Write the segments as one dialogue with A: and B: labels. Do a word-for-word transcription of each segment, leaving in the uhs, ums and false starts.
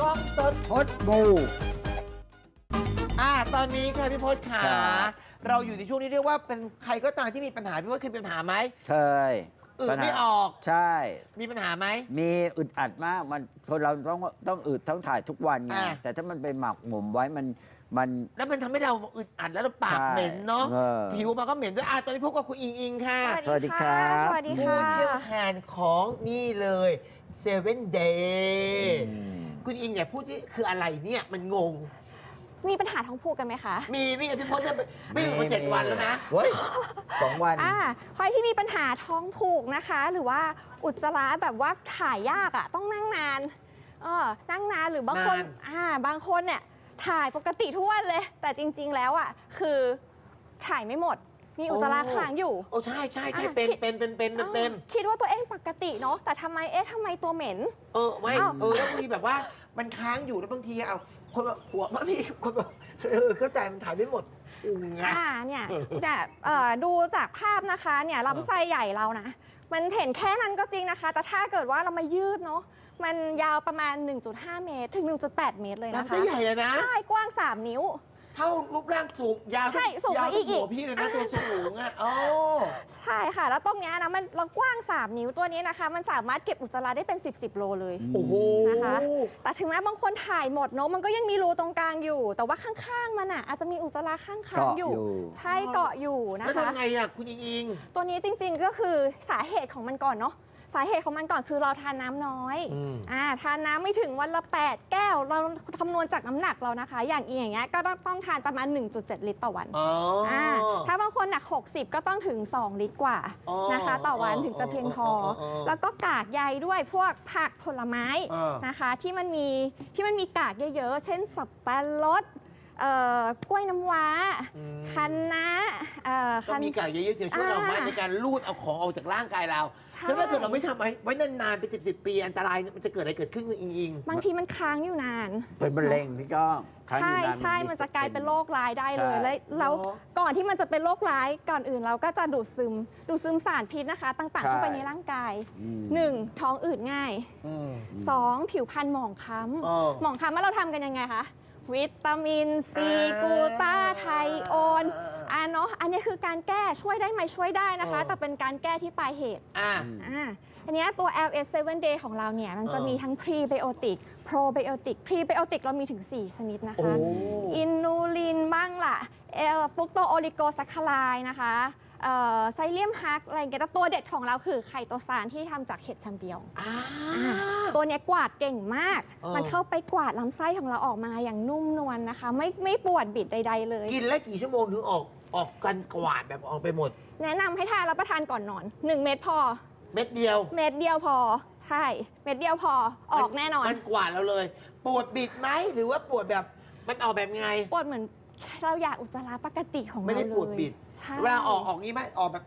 A: กล้องสด
B: พดบู
A: อ่าตอนนี้ค่ะพี่พศขาเราอยู่ในช่วงนี้เรียกว่าเป็นใครก็ตามที่มีปัญหาพี่พศเคยมีปัญหาไหม
B: เคย
A: อึไม่ออก
B: ใช่
A: มีปัญหาไหม
B: มีอึดอัดมากมันคนเราต้องต้องอึดต้องถ่ายทุกวันไง
A: อ่า
B: แต่ถ้ามันไปหมักหมมไว้มันมัน
A: แล้วมันทำให้เราอึดอัดแล้วเราปาก
B: ใช่
A: เหม็นเนาะ
B: เออ
A: ผิวมันก็เหม็นด้วยอ่ะตอนนี้พบกับคุณอิงอิงค่ะ
B: สวัสดีครับ
C: สวัสดี
A: ผู้
C: ค่ะ
A: เชี่ยวชาญของนี่เลยเซเว่นเดย์
B: อืม
A: คุณอิงเนี่ยพูดที่คืออะไรเนี่ยมันงง
C: มีปัญหาท้องผูกกันไหมคะ
A: มีมีพี่พศเนี่ยไม่อยู่มาเจ็ดวันแล้วนะ
B: เฮ้ยสองวัน
C: อ่าใครที่มีปัญหาท้องผูกนะคะ หรือว่าอุจจาระแบบว่าถ่ายยากอ่ะต้องนั่งนานเออนั่งนานหรือบางคน
A: นาน
C: อ่าบางคนเนี่ยถ่ายปกติทุกวันเลย แต่จริง ๆ แล้วอ่ะคือถ่ายไม่หมด มีอุจจาระค้างอยู่
A: โอ้ใช่ใช่ใช่
C: อ่ะ
A: เป็น
C: คิด
A: เป็นเป็นเป็นเป็นเป็น
C: เออคิดว่าตัวเองปกติเนาะแต่ทำไมเอ๊ะทำไมตัวเหม็น
A: เออไม่
C: อ้าว
A: เออแล้วบางทีแบบว่ามันค้างอยู่แล้วบางทีเอาคนแบบหัวมาพี่คนแบบเออเข้าใจมันถ่ายไม่หมดอืมไง
C: อ่าเนี่ยแต่เอ่อดูจากภาพนะคะเนี่ยลำไส้ใหญ่เรานะ มันเห็นแค่นั้นก็จริงนะคะ แต่ถ้าเกิดว่าเรามายืดเนาะมันยาวประมาณ หนึ่งจุดห้า เมตร ถึง หนึ่งจุดแปด เมตรเลยนะคะ
A: ลำไส้ใหญ่เลยนะ
C: ใช่กว้าง สาม นิ้ว
A: เท่ารูปร่างสูงยาว
C: ใช่สูง
A: ยาว
C: กว่าอีก
A: หัวพี่เลยนะ
C: อ่า
A: ตัวสูงอ่ะโอ้
C: ใช่ค่ะ แล้วตรงเนี้ยนะมันเรากว้าง สาม นิ้วตัวนี้นะคะ มันสามารถเก็บอุจจาระได้เป็น สิบ สิบ โลเลย
A: โอ้โห
C: นะคะแต่ถึงแม้บางคนถ่ายหมดเนาะมันก็ยังมีรูตรงกลางอยู่ แต่ว่าข้างๆมันอ่ะอาจจะมีอุจจาระข้างๆ
B: เกาะ
C: อ
B: อยู่ ยู่
C: ใช่เกาะอยู่นะ
A: แล้ว
C: คะ
A: ทำไงอ่ะคุณอิงอิง
C: ตัวนี้จริงๆก็คือสาเหตุของมันก่อนเนาะสาเหตุของมันก่อนคือเราทานน้ำน้อย
A: อืม
C: อ่าทานน้ำไม่ถึงวันละ แปด แก้ว เราคำนวณจากน้ำหนักเรานะคะ อย่างอีอย่างเงี้ยก็ต้องต้องทานประมาณ หนึ่งจุดเจ็ด ลิตรต่อวัน
A: อ๋ออ่
C: าถ้าบางคนหนัก หกสิบ ก็ต้องถึง สอง ลิตรกว่า
A: อ๋อ
C: นะคะ ต่อวัน
A: อ๋อ
C: ถึงจะเพียงพออ
A: ออ๋อ
C: แล้วก็กากใยด้วยพวกผักผลไม้
A: อ่าน
C: นะคะที่มันมีที่มันมีกากเยอะๆ เช่นสับปะรดเอ่อกล้วยน้ำว้าคะน้าเอ่อ
A: ก็
C: คะ
A: มีกากเยอะๆจะช่วยเรามาก
C: อ่า
A: ในการลูดเอาของออกจากร่างกายเรา
C: ใช่
A: แล้วถ้าเกิดเราไม่ทำไว้ไว้นานๆเป็นสิบสิบปีอันตรายมันจะเกิดอะไรเกิดขึ้นคุณอิงอิง
C: บางทีมันค้างอยู่นาน
B: เป็นมะเร็งพี่ก้องครั้ง
C: ใช่
B: อยู่นาน
C: ใช่มันจะกลายเป็นโรคร้ายได้เลย
B: ใช่
C: แล้วแล้ว
A: อ๋อ
C: ก่อนที่มันจะเป็นโรคร้ายก่อนอื่นเราก็จะดูดซึม ดูดซึมสารพิษนะคะ ต่างๆ
B: ใช่
C: เข้าไปในร่างกาย
B: อืม
C: หนึ่งท้องอืดง่าย
A: อืม
C: สองผิวพรรณหมองคล้
A: อ๋อ
C: ำหมองคล้ำว่าเราทำกันยังไงคะวิตามินซี
A: อ่าก
C: ลูตาไทโอน
A: อ่า
C: อ่าเนาะอันนี้คือการแก้ช่วยได้ไหมช่วยได้นะคะ
A: อ๋อ
C: แต่เป็นการแก้ที่ปลายเหตุ
A: อ่า
C: อ่าอันเนี้ยตัว แอล เอส เซเว่น Day ของเราเนี่ย มันจะ
A: เออ
C: มีทั้ง Prebiotic Probiotic Prebiotic เรามีถึง สี่ ชนิดนะ
A: โอ้
C: คะ อินูลินบ้างล่ะเอลฟุกโตโอลิโกซัคคาไลนะคะเอ่อไซเลียมฮักอะไรอย่างเงี้ยแต่ตัวเด็ดของเราคือไคโตซานที่ทำจากเห็ดแชมเปียง
A: อ่า
C: ตัวเนี้ยกวาดเก่งมาก
A: เออ
C: มันเข้าไปกวาดลำไส้ของเราออกมาอย่างนุ่มนวลนะคะ ไม่ไม่ปวดบิดใด ๆ เลย
A: กินแล้วกี่ชั่วโมงถึงออกออกกันกวาดแบบออกไปหมด
C: แนะนำให้ทานรับประทานก่อนนอน หนึ่ง เม็ดพอ
A: เม็ดเดียว
C: เม็ดเดียวพอ ใช่ เม็ดเดียวพอออกแน่นอน
A: มันกวาดเราเลย ปวดบิดไหมหรือว่าปวดแบบมันออกแบบไง
C: ปวดเหมือนเราอยากอุจจาระปกติของเรา
A: ไม่
C: เลย
A: ได้ปวดบิด
C: ใช่
A: เวลาออกออกงี้ไหมออกแบบ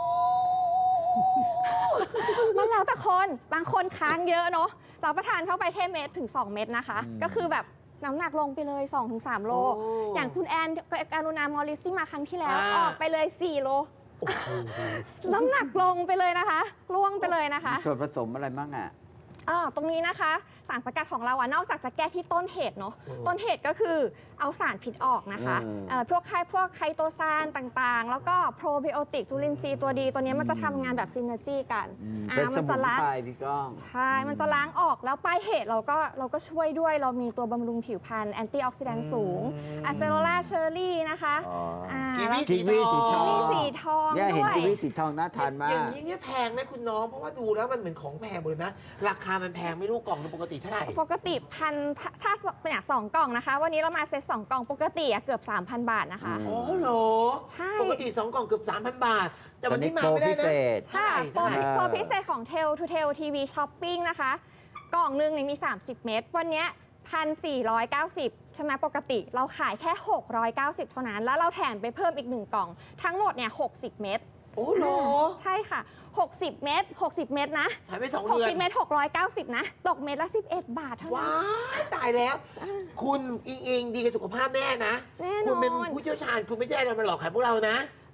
C: มันแล้วแต่คนบางคนค้างเยอะเนาะเราประทานเข้าไปแค่เม็ดถึง สอง เม็ดนะคะ ก็คือแบบน้ำหนักลงไปเลย สองถึงสาม โล
A: โอ้
C: อย่างคุณแอนการุณามอริสที่มาครั้งที่แล้ว
A: อ่า
C: ออกไปเลย สี่ โล น้ำหนักลงไปเลยนะคะล่วงไปเลยนะคะ
B: ส่วนผสมอะไรบ้างอ่ะ
C: อ่าตรงนี้นะคะสารสกัดของเราอะนอกจากจะแก้ที่ต้นเหตุเนาะต้นเหตุก็คือเอาสารพิษออกนะคะ
B: อืม
C: เอ่อพวกไคพวกไคโตซานต่างๆ แล้วก็โปรไบโอติกจุลินทรีย์ตัวดีตัวนี้มันจะทำงานแบบซินเนอร์จีกัน
B: อืม
C: อ่า
B: เป็นส
C: มั
B: มุ
C: จะ
B: น
C: ล้าง
B: ไพรพี่ก้อง
C: ใช่ มันจะล้างออกแล้วปลายเหตุเราก็เราก็ช่วยด้วยเรามีตัวบำรุงผิวพรรณแอนตี้ออกซิแดนต์สูงอะเซโลลาเชอร์รี่นะคะ
B: อ๋ออ่
C: า
A: กีวี
C: แล้ว
B: กีวีสีทอง
C: กีวีสีทอง
B: เนี่ยเห็น
C: ด้วย
B: กีวีสีทองน่าทานมา
A: อย่าก งนี้เนี่ยแพงไหมคุณน้อง เพราะว่าดูแล้วมันเหมือนของแพงหมดเลยนะ ราคามันแพงไม่รู้กล่องนึงปกติเท่าไหร่
C: ปกติพันถ้าถ้าเป็นอย่างสองกล่องนะคะ วันนี้เรามาเซตสองกล่องปกติอะเกือบ สามพัน บาทนะคะ
B: อืม
A: โอ้โห
C: ใช่
A: ปกติสองกล่องเกือบ สามพัน บาท แต่วันนี้มา
B: โปร
A: ไม่ได้
B: พิ
A: นะ
B: เศษ
A: เท่าไหร่
C: โปร
A: เท่าไหร่
C: โปรพิเศษของ Tel to Tel ที วี Shopping นะคะ กล่องหนึงเนี่ยมี สามสิบ เม็ดวันเนี้ยหนึ่งพันสี่ร้อยเก้าสิบ ใช่ไหมปกติเราขายแค่ หกร้อยเก้าสิบ เท่านั้น แล้วเราแถมไปเพิ่มอีกหนึ่งกล่อง ทั้งหมดเนี่ยหกสิบ เม็ด
A: โอ้โห
C: ใช่ค่ะ หกสิบ เม็ดหกสิบ เม็ดนะ
A: หายไปสองเดือน
C: หกสิบ เม็ดหกร้อยเก้าสิบ นะ ตกเม็ดละ สิบเอ็ด บาทเท่านั้
A: ว้าน ยตายแล้ว คุณอิงอิงดีกับสุขภาพแม่นะ
C: แน่นอน
A: คุณเป็นผู้เชี่ยวชาญ คุณไม่ใช่อะไรมาหลอกขายพวกเรานะ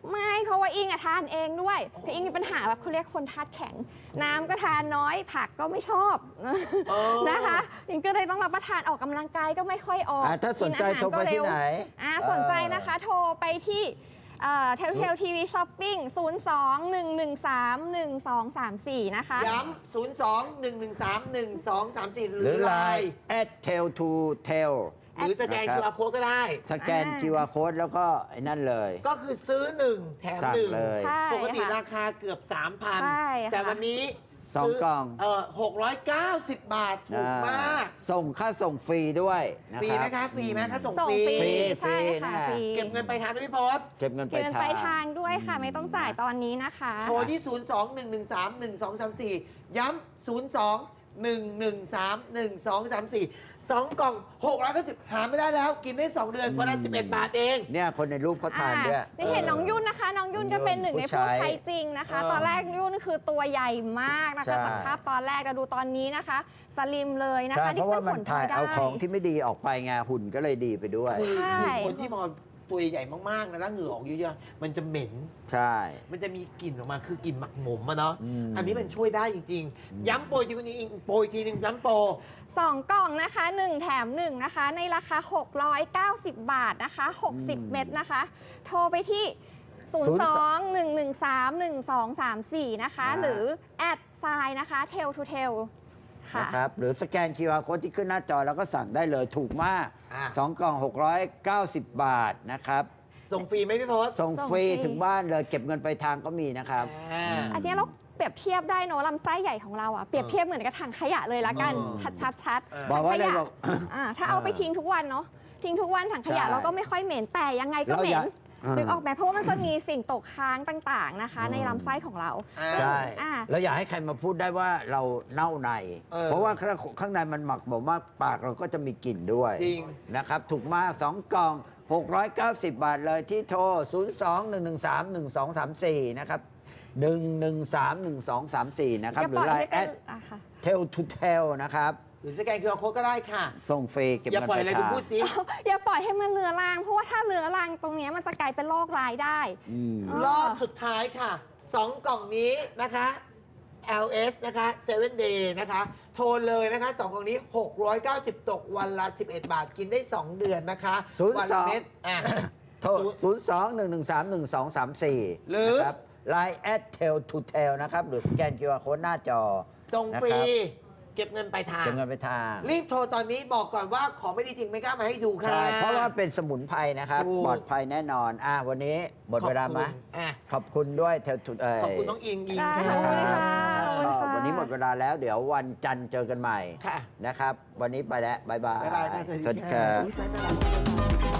C: ไม่เพราะว่าอิงอะทานเองด้วยคืออิงมีปัญหาแบบเขาเรียกคนธาตุแข็ง น้ำก็ทานน้อยผักก็ไม่ชอบ
A: เออ
C: นะคะอิงก็เลยต้องรับประทานออกกำลังกายก็ไม่ค่อยออก
B: อ่ะถ้าสนใจ
C: กิอาหา
B: โทรไปที่ไหน
C: อ่าสนใจนะคะโทรไปที่เทลเทลทีวีช้อปปิ้งศูนย์ สอง หนึ่ง หนึ่ง สาม หนึ่ง สอง สาม สี่นะคะ
A: ย้ำ ศูนย์ สอง หนึ่ง หนึ่ง สาม หนึ่ง สอง สาม สี่ ห
B: ห
A: รื
B: รือ อ
A: ไล
B: Line
A: น์
B: at tail to tail
A: หรือสแกน
B: นะครับ
A: คิว อาร์ Code ก็ได้
B: สแกน
C: อ่า
B: คิว อาร์ Code แล้วก็ไอ้นั่นเลย
A: ก็คือซื้อหนึ่งแถม
B: สั่ง
A: หนึ่ง
B: เลย
C: ใช่
A: ปกติ
C: ค่ะ
A: ราคาเกือบ สามพัน
C: ใช่ค่ะ
A: แต่วันนี้
B: สอง
A: ซื้
B: กล่อง
A: เอ่อหกร้อยเก้าสิบ บาท ถูกมาก
B: อ่ส่งค่าส่งฟรีด้วยนะ
A: ฟรี
B: ค
A: ไหม
B: รับ
A: คะฟรีไหมถ้าส่ง
C: ส่ง
A: ฟรี
C: ฟรี
B: ฟรี
C: ใช่
B: ฟรี
C: ค่ะ
B: นะ
C: ฟรี
A: เก็บเงินไปลายทางด้วยพี่พศ
B: เก็บเงินไป
C: เกิน
B: ทา
C: ไป
B: ง
C: ทางด้วยค่ะ ไม่ต้องจ่ายตอนนี้นะคะ
A: โทรที่ ศูนย์ สอง หนึ่ง หนึ่ง สาม หนึ่ง สอง สาม สี่ ย้ำ ศูนย์ สอง หนึ่ง หนึ่ง สาม หนึ่ง สอง สาม สี่ สองกล่องหกร้อยเก้าสิบหาไม่ได้แล้ว กินได้ สอง เดือนวันละสิบเอ็ด บาทเอง
B: เนี่ยคนในรูปเขาทานด้วย
C: ได้เห็นน้องยุ่นนะคะ น้องยุ่นก็เป็นหนึ่งในผู้ใช้จริงนะคะ
A: เออ
C: ตอนแรกยุ่นคือตัวใหญ่มากนะ
B: ใช่
C: คะจากภาพตอนแรกเราดูตอนนี้นะคะ สลิมเลยนะ
B: ใช่
C: คะ
B: เพราะว่ามันถ่าย
C: ได้
B: เอาของที่ไม่ดีออกไปไงหุ่นก็เลยดีไปด้วย
A: คือ
C: ใช่
A: คือคนที่พอตัวใหญ่มากๆนะแล้วเหงื่อออกเยอะๆ มันจะเหม็น
B: ใช่
A: มันจะมีกลิ่นออกมาคือกลิ่นหมักหมมอะเนาะ
B: อืม
A: อันนี้มันช่วยได้จริง ๆ ย้ำโปรทีนี้อีกโปรอีกทีหนึงย้ำโปร
C: สองกล่องนะคะหนึ่งแถมหนึ่งนะคะ ในราคา หกร้อยเก้าสิบ บาทนะคะ หกสิบ เม็ดนะคะ โทรไปที่ ศูนย์ สอง หนึ่ง หนึ่ง สาม หนึ่ง สอง สาม สี่ นะคะ หรือแอดไซน์นะคะ tail to tail ค่ะ
B: นะครับหรือสแกน คิว อาร์ Code ที่ขึ้นหน้าจอแล้วก็สั่งได้เลยถูกมาก
A: อ่ะ
B: สองกล่อง หกร้อยเก้าสิบ บาทนะครับ
A: ส่งฟรีไหมพี่พศ
B: ส่ง
C: ส่ง
B: ฟรี
C: ฟรี
B: ถึงบ้านเลยเก็บเงินไปลายทางก็มีนะครับ
A: อ่า
C: อันนี้เราเปรียบเทียบได้เนอะลำไส้ใหญ่ของเราอะเปรียบเทียบเหมือนกับถังขยะเลยละกัน
A: เออ
C: ชัดชัด
A: เออ
B: บอกว่า
C: ถังข
B: อะไร
C: ยะ
B: บอก
C: อ่าถ้าเอาไปทิ้งทุกวันเนาะทิ้งทุกวันถังขยะ
B: ใช่
C: เราก็ไม่ค่อยเหม็นแต่ยังไงก็
B: เรา
C: เหม็
B: อน ยาก
C: นึกออกไหมเพราะว่ามันจะมีสิ่งตกค้างต่างๆนะคะ ในลำไส้ของเรา
A: อ่า
B: ใช่
C: อ่า
B: แล้วอยากให้ใครมาพูดได้ว่าเราเน่าใน
A: เออ
B: เพราะว่าข้างข้างในมันหมักหมมมากปากเราก็จะมีกลิ่นด้วย
A: จริง
B: นะครับ ถูกมาก สอง กล่อง หกร้อยเก้าสิบ บาทเลยที่โทร ศูนย์ สอง หนึ่ง หนึ่ง สาม หนึ่ง สอง สาม สี่ นะครับ หนึ่ง หนึ่ง สาม หนึ่ง สอง สาม สี่ นะครับ
C: อย่า
B: หรื
C: ปล่
B: อ
C: อย
B: ไล
C: ให้
B: น์
C: เป็
B: แอน ด
C: อ่ะค่ะ
B: tail to tail นะครับ
A: หรือสแกนคิว อาร์ Code ก็ได้ค่ะ
B: ส่งฟรีเก็บ
A: อย่า
B: เงิน
A: ปล่อย
B: ไป
A: อะไร
B: ลาย
A: คุณ
B: ทาง
A: พูดสิ
C: อย่าปล่อยให้มันเรื้อรังเพราะว่าถ้าเรื้อรังตรงเนี้ยมันจะกลายเป็นโรคร้ายได้
B: อืม
C: อ๋อ
A: รอบสุดท้ายค่ะ สอง กล่องนี้นะคะ แอล เอส นะคะ เซเว่น Day นะคะ โทรเลยนะคะ สอง กล่องนี้ หกร้อยเก้าสิบ ตกวันละ สิบเอ็ด บาท กินได้ สอง เดือนนะคะ
B: ศูนย์
A: วั
B: ส
A: ละ
B: อง
A: เม็ดอ่ะ
B: โทร ศูนย์ สอง หนึ่ง หนึ่ง สาม หนึ่ง สอง สาม สี่
A: หรือ
B: นะครับ ไลน์ แอด tail to tail นะครับ หรือสแกน คิว อาร์ Code หน้าจอ
A: ส่งฟรี
B: นะคบ
A: เก็บเงินปลายทาง
B: เก็บเงินไปทาง
A: รีบโทรตอนนี้บอกก่อนว่าของไม่ดีจริงไม่กล้ามาให้ดูค่ะ
B: ใช่ เพราะว่าเป็นสมุนไพรนะครับ
A: ถูก
B: ปลอดภัยแน่นอน อ่ะวันนี้หมดเวลาไหม
A: ขอบคุณอ่ะ
B: ขอบคุณด้วยเทลทุเอ่ย
A: ขอบคุณน้องอิงอิง
C: ได้
A: ค่ะ
C: ขอบคุณค่ะขอบคุณ
B: ก็
C: ค่ะ
B: วันนี้หมดเวลาแล้ว เดี๋ยววันจันทร์เจอกันใหม่
A: ค่ะ
B: นะครับ วันนี้ไปแล้ว บ๊ายบาย
A: บ๊ายบายค่ะ
B: สวัสดีครับ
A: อุ๊ยบ๊ายบาย